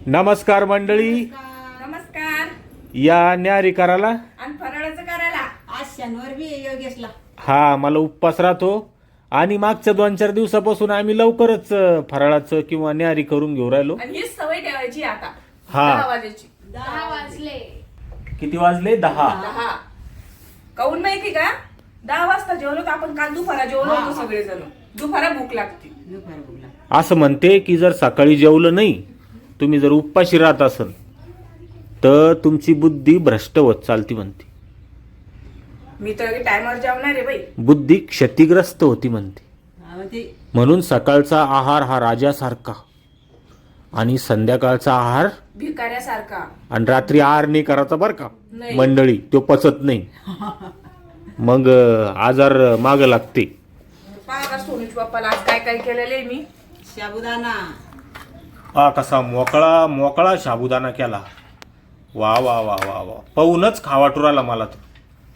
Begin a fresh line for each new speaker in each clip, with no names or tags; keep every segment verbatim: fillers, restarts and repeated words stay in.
नमस्कार मंडळी.
नमस्कार.
या न्यारी करायला
आणि फराळाचं करायला आज शनिवार बी योगेशला.
हा मला उपवास राहतो आणि मागच्या दोन चार दिवसापासून आम्ही लवकरच फराळाचं किंवा न्यारी करून घेऊ राहिलो.
आणि ही सवय ठेवायची आता.
हा.
दहा वाजायची.
दहा वाजले.
किती वाजले? दहा.
दहा. काऊन माहिती का? दहा वाजता जेवलो तर आपण काल दुपारा जेवलो होतो सगळेजण. दुपारा भूक लागते. दुपारा भूक लागते.
असं म्हणते की जर सकाळी जेवलं नाही, तुम्ही जर उपाशी राहत असाल तर तुमची बुद्धी भ्रष्ट होत चालती म्हणते.
मी तर टायमर जेवणार आहे बाई.
बुद्धी क्षतिग्रस्त होती म्हणते. म्हणून सकाळचा आहार हा राजासारखा आणि संध्याकाळचा आहार
भिकाऱ्यासारखा.
आणि रात्री आहार नाही करायचा बर का
नाही.
मंडळी, तो पचत नाही. मग आजार माग लागते.
पहा सोनूच्या बाप्पाला आज काय काय केलेलं आहे मी.
साबुदाणा.
हा कसा मोकळा मोकळा साबुदाणा केला. वा वा वा वा वा पाहूनच खावाटूर आला मला तर.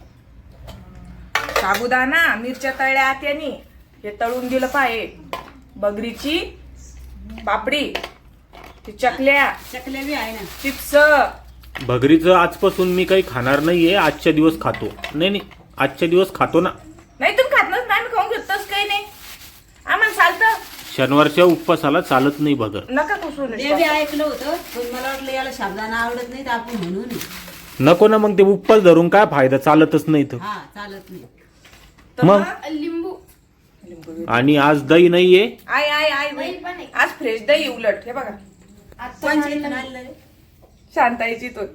साबुदाणा, मिरच्या तळल्या आत्यानी, हे तळून दिलं पाहे. बगरीची पापडी, ती चकल्या
चकल्या बी आहे ना.
चिप्स.
भगरीचं आजपासून मी काही खाणार नाहीये. आजच्या दिवस खातो. नाही नाही आजच्या दिवस खातो ना.
नाही तुम्ही खात नस, नाही खाऊन घेतच काही नाही. आम्हाला चालतं.
शनिवारच्या उपवासाला चालत नाही भगर.
नका कुसून.
ते बी ऐकलं होतं पण मला वाटलं याला साबुदाणा आवडत नाही तर आपण म्हणून.
नको ना मग ते उपवास धरून काय फायदा, चालतच नाही तर.
हा चालत नाही.
मग
लिंबू.
आणि आज दही नाहीये.
आय आय आय बाई. आज फ्रेश दही उलट. हे बघा
पंचायत आणलं रे.
शांताईची तो.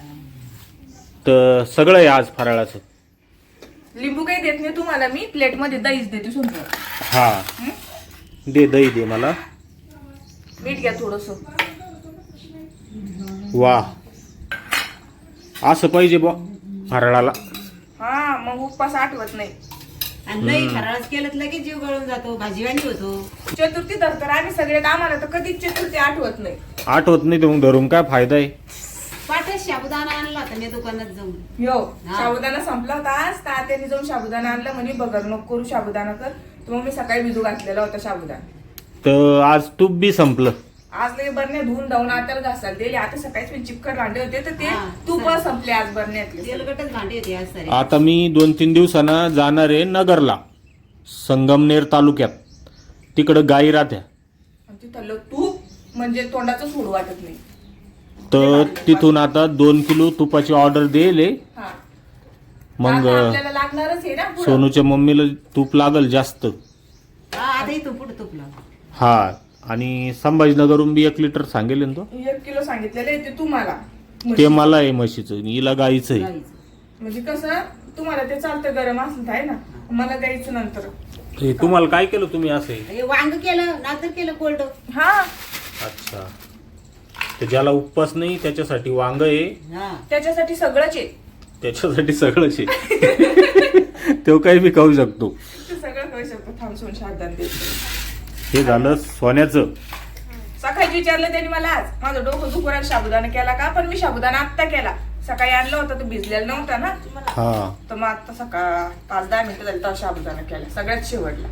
तर सगळं आहे आज फराळाचं.
लिंबू काही देत नाही तुम्हाला मी. प्लेट मध्ये दहीच देते सुंदर.
हा दे दही दे मला.
मीठ घ्या थोडस.
वा असं पाहिजे बा फराळाला.
हा मग उपवास आठवत नाही.
आणि नाही फराळच केलं तर लगेच जीव गळून जातो, भाजीवाणी होतो.
चतुर्थी धरतर आम्ही सगळे आम्हाला तर कधीच चतुर्थी आठवत नाही.
आठवत नाही तर मग धरून काय फायदा आहे.
पाठच साबुदाणा आणला होता मी दुकानात जाऊन.
हो
हा.
साबुदाणा संपला होता आज. तात्याने जाऊन साबुदाणा आणला म्हणे बगर नको करू साबुदाणा कर. तर मग मी सकाळी भिजू घातलेला होता साबुदाणा.
तर आज तूप बी संपलं.
आज लगे बरण्या धुवून धावून आत्याला घासायला दिले. आता सकाळीच मी चिपकट भांडे होते तर ते
हा,
तूप
चालेल.
संपले आज बरण्यातले.
तेलकटच भांडी होती आज सारी.
आता मी दोन तीन दिवसांना जाणार आहे नगरला, संगमनेर तालुक्यात. तिकडं गाई राहत्या.
आणि तिथलं तूप म्हणजे तोंडाचं सोड वाटत नाही.
तर तिथून आता दोन किलो तुपाची ऑर्डर देले.
हा
मग
आता आपल्याला लागणारच आहे ना पुढं.
सोनूच्या मम्मीला तूप लागल जास्त.
हा आता इथून पुढे तुपला.
हा आणि संभाजीनगरहून बी एक लिटर सांगेल ना तो.
एक किलो सांगितलेलं आहे ते तुम्हाला.
ते मला आहे म्हशीचं, हिला गाईचं आहे.
गाईचं.
म्हणजे कसं तुम्हाला ते चालतं गरम असलं आहे ना. मला द्यायचं नंतर.
हे तुम्हाला काय केलं तुम्ही असे?
हे वांग केलं नातर केलं कोल्ड.
हा
अच्छा, तर ज्याला उपवास नाही त्याच्यासाठी वांग आहे,
हा
त्याच्यासाठी सगळंच आहे.
त्याच्यासाठी सगळंच आहे. तो काही मी खाऊ शकतो.
ते सगळं करू शकतो. थांबसून शारदान देत.
हे झालं सोन्याचं.
सकाळी विचारलं त्यांनी मला आज माझं डोकं दुपारात साबुदाणा केला का. पण मी साबुदाणा आत्ता केला. सकाळी आणलं होतं तो भिजलेला नव्हता ना.
हा
तर मग आता सकाळ पाच दहा मिनिटं झाली तर साबुदाणा केला सगळ्यात शेवटला.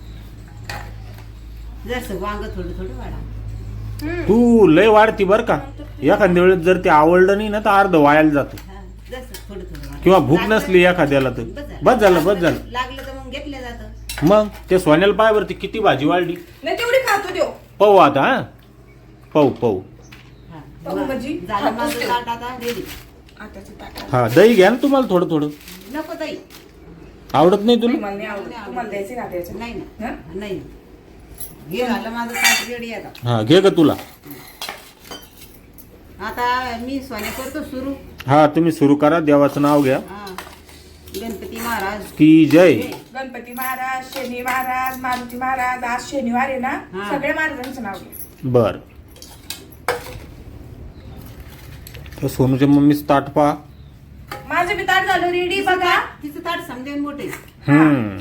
जसं वांग थोडं थोडं वाढा.
तू लय वाढती बर का. एखाद्या वेळेस जर ते आवडलं नाही ना तर अर्ध वायाला जातं.
हा, जसं थोडं थोडं वाढा.
किंवा भूक नसली एखाद्याला तर बस झालं बस झालं.
लागलं तर मग घेतलं जातं.
मग ते सोन्याला पायावरती किती भाजी वाढली.
नाही तेवढी खातो देव.
पाहू आता. हा पाहू पाहू.
हा.
पाहू म्हणजे
झालं
खातोच
माझं
ते.
ताट आता रेडी.
आताची ताट.
हा दही घ्या ना तुम्हाला थोडं थोडं.
नको ताई.
आवडत नाही तुला?
मला नाही आवडत. तुम्हाला द्यायचे ना द्यायचं.
नाही ना
हं?
नाही. हे झालं माझं ताट रेडी आता.
हा घे का तुला.
आता मी सोने करतो सुरू.
हा तुम्ही सुरू करा. देवाचं नाव घ्या.
हा गणपती महाराज
की जय.
गणपती महाराज, शनी महाराज, मारुती महाराज. आज शनिवार आहे ना.
हा.
सगळ्या महाराजांचं नाव घ्या.
बर. तर सोनूच्या मम्मीच ताट पहा.
माझं बी ताट झालं रेडी बघा.
तिचं ताट समजे मोठे.
हम्म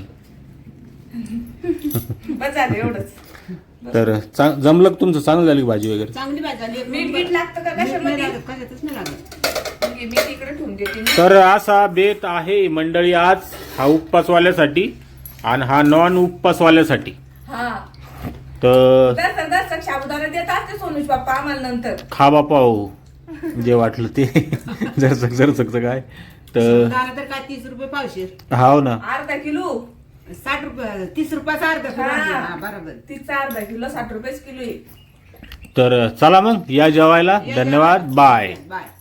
बस झालं एवढंच.
तर चांग- जमलं का तुमचं? चांगलं झाली का भाजी वगैरे?
चांगली भाजी झाली.
मीठ मीठ लागतं का
मीठ नाही
कशामध्ये?
लागत, कशातच नाही लागत.
मी तिकडे ठेवून देते.
तर असा बेत आहे मंडळी आज हा उपवासवाल्यासाठी आणि हा नॉन उपवासवाल्यासाठी.
हा
तर
दर्शक दर्शक साबुदाणा देत असते सोनूज बाप्पा आम्हाला नंतर.
खा बापा हो जे वाटलं ते जरसक जरसकचं काय तर
दाणा तर काय तीस रुपये पावशेर.
हाव ना.
अर्धा किलो
साठ रुपये तीस रुपयाचा अर्धा किलो
हा.
आणला. हा, बरोबर.
तिचा अर्धा किलो साठ रुपयेच किलो आहे.
तर चला मग या जेवायला. धन्यवाद. बाय.
बाय.